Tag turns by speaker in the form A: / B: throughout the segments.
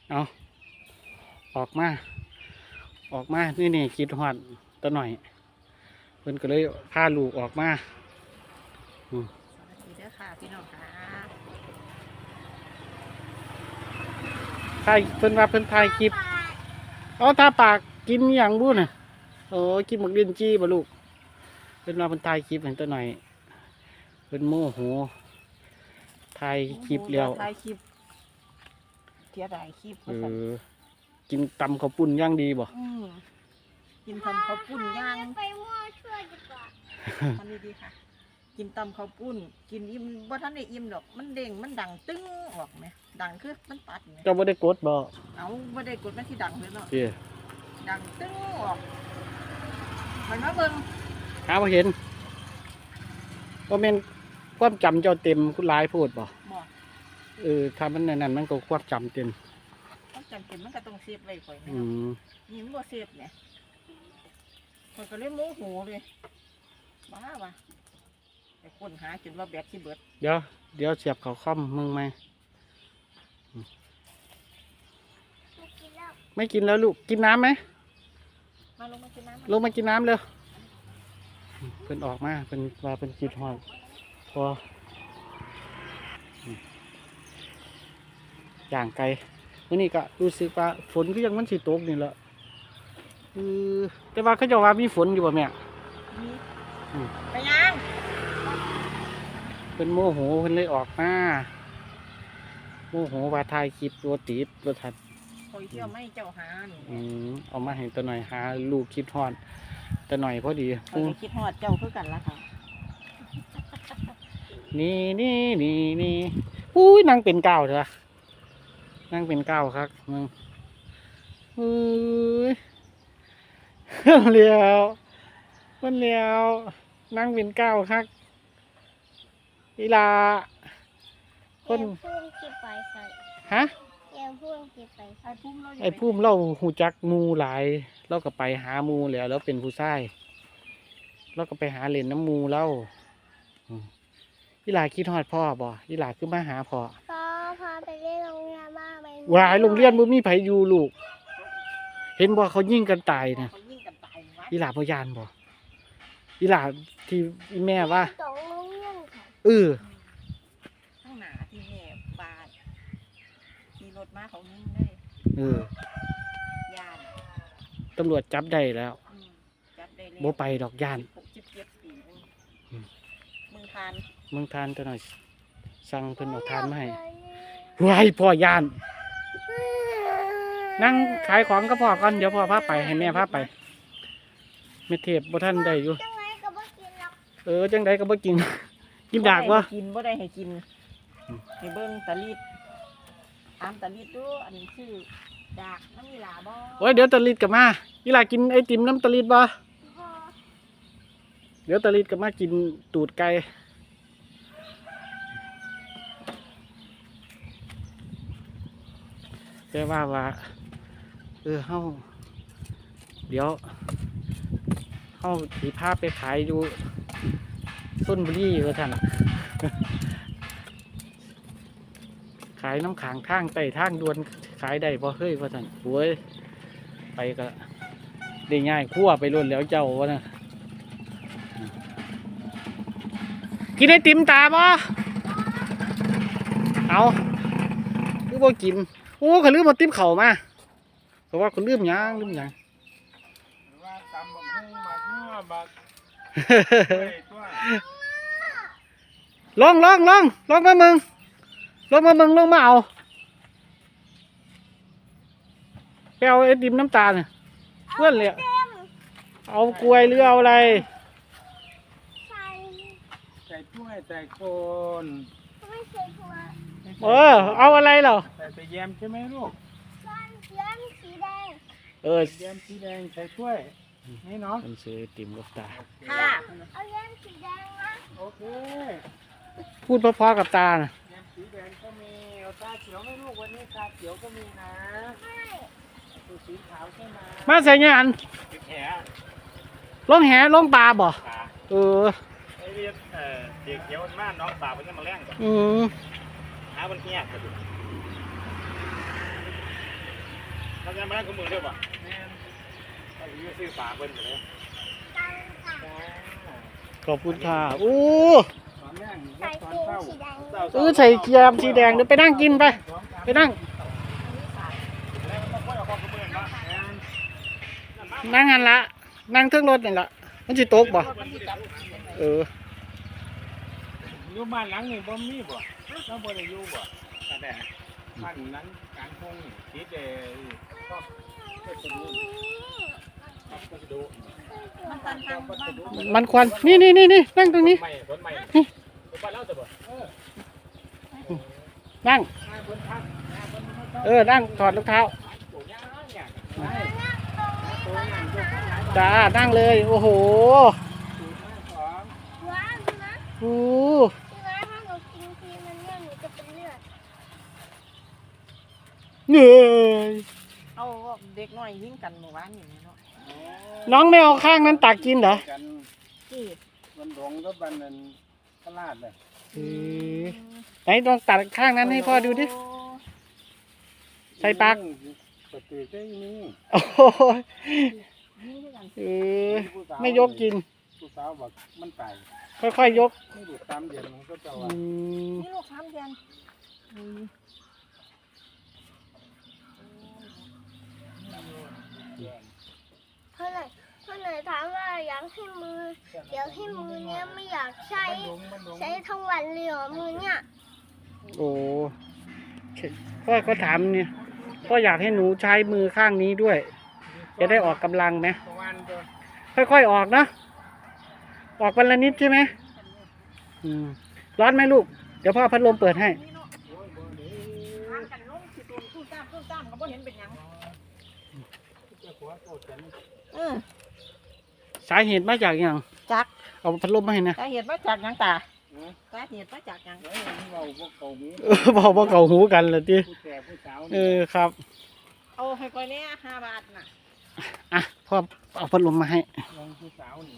A: เอาออกมานี่คิดฮอดตัวหน่อยเพิ่นก็เลยพาลูกออกมา
B: สวัสดีเด้อค่ะพี่น้องค่ะ
A: ถ่ายเพิ่นว่าเพิ่นถ่ายคลิปเอาทาปากกินอหย่างบุ้น่ะโอ้กินหมกเลียนจี้บ่ลูกเพิ่นว่าเพิ่นถ่ายคลิปให้ตัวหน่อยเพิ่นโมโหถ่ายคลิปแล้ว
B: ถ่ายคลิปเทียดายคลิป
A: กินตำข้าวปุ้นย่างดีบ่
B: กินทำข้าวปุ้นย่าง
C: ไปมั่วช่วยดีกว่า
B: ทำดีๆค่ะกินตำข้าวปุ้นกินอิ่มบ่ทันได้อิ่มดอกมันเด้งมันดังตึ้งออกไหมดังคือมันตัดไหม
A: เจ้าบ่ได้กดบ่
B: เอาบ่ได้กดมันที่ดังเลยเนาะ
A: เด้
B: ดังตึ้งออกมันมาเบิ่ง
A: หาบ่เห็นบ่แม่นความจำเจ้าเต็มคุณหลายพูดบ่ถ้ามันนั่นมันก็ความจำเต็ม
B: ความจำเต็มมันก็ต้องเซฟไว้ก่อนนะนี่มันบ่เซฟเนี่ยมันก็เลยโมโหเลยบ้าวะแต่คนหาจนว่าแบตที่เบิด
A: เดี๋ยวเสียบเขาค่อมมึงไหมไม่กินแล้วลูกกินน้ำไหม
B: มาลงมากินน้ำ
A: ลงมากินน้ำเร็วเพิ่นออกมาเพิ่นว่าเพิ่นกินหอยพอย่างไกลวันนี้ก็รู้สึกว่าฝนก็ยังมันสิตกนี่แหละแต่ว่าเขาจะว่ามีฝนอยู่บ่แม่
B: ไปยัง
A: เป็นโมโหเพิ่นเลยออกมาโมโหว่าถ่ายคลิปตัวติดตัวทัด
B: คอยเที่ยวไม่เจ้าหา
A: เอามาให้ตัวหน่อยหาลูกคิดฮอดตัวหน่อยพอดี
B: คิดฮอดเจ้าคือกันละค่ะ
A: นี่อุ้ยนางเป็นเก้าเถอะนางเป็นเก้าครับมึงเลี้ยวนั่งเป็นเก้าครับอีลา
C: คนพุ่งที่ไปใส่
A: ฮะ
C: พุ่งที่ไป
A: ไอ้พุ่มเราหูจักมูหลายเราก็ไปหามูแล้วเป็นผู้ชายเราก็ไปหาเล่นน้ำมูเล่าอีลาคิดฮอดพ่อบ่อีลาคือมาหาพ่อ
C: พาไปเล่นโรงเรียนบ้างไป
A: วายโรงเรียนบ่มีไผอยู่ลูกเห็นบ่เขายิงกันตายนะอีหลาพยานบ่อีหลาที่แม่ว่า
B: ข้างหน้าที่แม่บาดขี่รถมาเขายิงได้ยาน
A: ตำรวจจับได้แล้ว
B: จับได้
A: บ่ไปดอกยาน
B: 67 ปีเมืองท
A: านตัวหน่อยสั่งเพิ่นเอาทานมาให้วายพ่อยานนั่งขายของก็พอก่อนเดี๋ยวพ่อพาไปให้แม่พาไปแม่เทพบ่ท่านได้อยู่
C: จังไรก็บ่กินหรอก
A: จังไดก็บ่กินกินดากวะ
B: กินบ่ได้ให้กินให้เบิ่งตะลิดตามตะลิดดูอันนี้ชื่อดากน้ำมีหลาบ่
A: โอ้ยเดี๋ยวตะลิดกลับมาอีหลากินไอติมน้ำตะลิดบ่เดี๋ยวตะลิดกลับมากินตูดไก่แต่ว่าเฮาเดี๋ยวเฮาสีผ้าไปขายอยู่ส้นบุรีว่าท่านขายน้ำขังทางไต่ทางดวนขายได้พอเฮ้ยว่าท่านโว้ยไปก็ได้ง่ายคั่วไปล้นแล้วเจ้าวะนะกินไอติมตาบ่เอาคือบ่กินโอ้เขาลืมมาติ๊บเข่ามาเพราะว่าเขาลืมยังว่าตำบักหุ่งบักนัวบักลงมามึงลงมาเอาไปเอาไอติมน้ำตาลเพื่อนเลยเอากล้วยหรือเอาอะไร
C: ใส่
A: ถ้วยใส่โคน
C: ไม่ใส่ถั่ว
A: เอาอะไรเหรอ
D: ใส่แยมใช่ไหมลูก
C: แยมสีแดง
D: แยมสีแดงใส่ถ้วยนี่เนาะ
A: มันซื้อติ่มลูกตา
B: ค่ะ
C: เอาแยมสีแดงนะ
D: โอเค
A: พูดพอๆกับตานะ
D: แยมสีแดงก็มีเอาตาเขียวไหมลูกวันนี้ตาเขียวก็มีนะ
C: ใช่
D: สีขาวใช่ไหม
A: มาใส่งานลงแหลงปลาบ่
D: ไอ้เรียกเด็กเขียวบ้านน้องปลาเป็นยังมาแรงก่อนหาวันเนี้ยกระดูก
A: เดี๋ยวว่า
E: มันยังไม่ได้ขมือด้วยป่ะแม่ถ้าอยู่ซื้อฝาเพิ่นเลย
A: ขอบคุณค่ะอู้
E: ตอนแรก
C: ใส่
E: ตอน
C: เกง
E: เข้า
C: สีแดง
A: ใส่เกียร์สีแดงเดี๋ยวไปนั่งกินไป ไปนั่ง
E: แล้วมันค่อยเอาความขมือมา
A: นั่งหันละ นั่งเครื่องรถนี่ละมันสิตกบ่เออ
E: อยู่บ้านหลังนี่บ่มีบ่เราบ่ได้อยู่บ่แต่บ้านนั้นกลางทุ่งคิดก็สะดุ
B: มันตันทางบ้าน
A: มันควันนี่นั่งตรงนี้
E: ไม่รถไม่บ้านเราจะบ่
A: นั่ง นั่งถอดรองเท้าจ้านั่งเลย โอ้โห
C: ว้าวนะ
A: โอ้
C: พี่ว่าถ้าหนูกินทีมันเนี่ยหนูจะเป็นเลือด
A: เหนื่อย
B: เอาเด็กน้อยยิงกันเมื่อวานนี่เนาะ
A: น้องไม่เอาข้างนั้นตักกินเหรอ
B: ที่
E: มันหลงก็บันนั้นตลาดเลย
A: ไหนลองตัดข้างนั้นให้พ่อดูดิ ใส่ปาก
E: ปกติก็มี
A: โอ้โห
B: ยิงด้วยกัน
A: ไม่ยกกิน
E: ผู้สาวบอกมันตาย
A: ค่อยๆยก
E: ไม่ดูตามเดือนมันก็จะ
A: อื
E: ว่า
A: ม
B: นี่ลูก3 เดือน
C: เพราะไหนถามว่าอยากให้มือเดี๋ยวให้มือเนี้ยไม่อยากใช้ทั้งวันเลยเหรอมือเนี้ย
A: โอ้พ่อก็ถามเนี่ยพ่ออยากให้หนูใช้มือข้างนี้ด้วย จะได้ออกกำลังไหม
E: ประมาณตัว
A: ค่อยๆออกนะ ออกวันละนิดใช่ไหมร้อนไหมลูก เดี๋ยวพ่อพัดลมเปิดให้
B: นี่เนาะทางกันลงสิตัวตู้ตามก็บ่เห็นเป็นหยัง
A: สาเหตุมาจากอย่าง
B: จัก
A: เอาพัดลมมาให้นะ
B: สาเหตุมาจากหยังตาสาเหตุมาจากหยัง
E: เราพวกเขาหู
A: บอกว่าเขาหูกันเลยที
E: ผู้แก่ผู้สาว
A: ครับ
B: เอาให้ก่อยเนี่ย5 บาทน่ะ
A: อ่ะพ่อเอาพัดลมมาให้
E: ลงผู้สาวนี่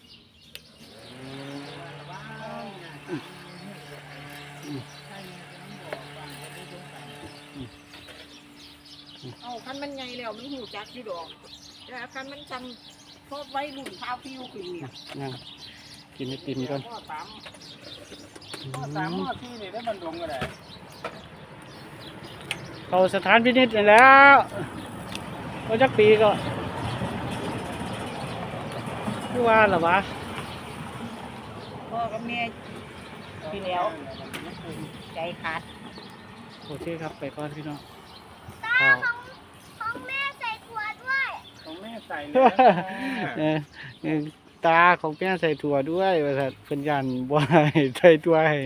B: เอาคันมันใหญ่แล้วมันหูจักอยู่ดอกแต่คันมันจำพบไว้รุ่นข้าวพิวขึ้นเนี่ย
A: นั่งกินไอติมก่อน
E: พ่อสามพ่อที่นี่ได้บรรดงก็ได้
A: เข้าสถานพินิจแล้วก็จักปีก็คือว่าหรอวะ
B: พ่อกับแม่พี่แล้วใจขาด
A: โอเคครับไปก่อนพี่น้อง
C: ตาของแม่ใส่ขวดด้วย
E: ของแม่ใส่เลย
A: ตาของแม่ใส่ถั่วด้วยว่าสัตว์เป็นยันบ่ให้ใส่ถั่วให้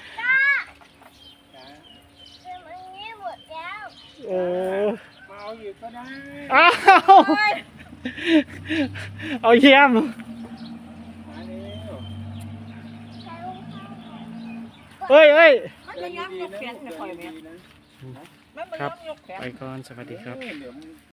C: เป็นอย่างนี้หมดแล้ว
E: มาเอาอยู่ก็ได้
A: อ้าวเอาเยี่ยม
E: มาเร็ว
C: ใส่รองเท้า
A: เอ้ย
B: มันจะย้ำยกแขนไม่ค่อยแม่มันไม่
A: ครับ
B: ย้ำยกแขน
A: ไปก่อนสวัสดีครับ
E: เดี๋ยว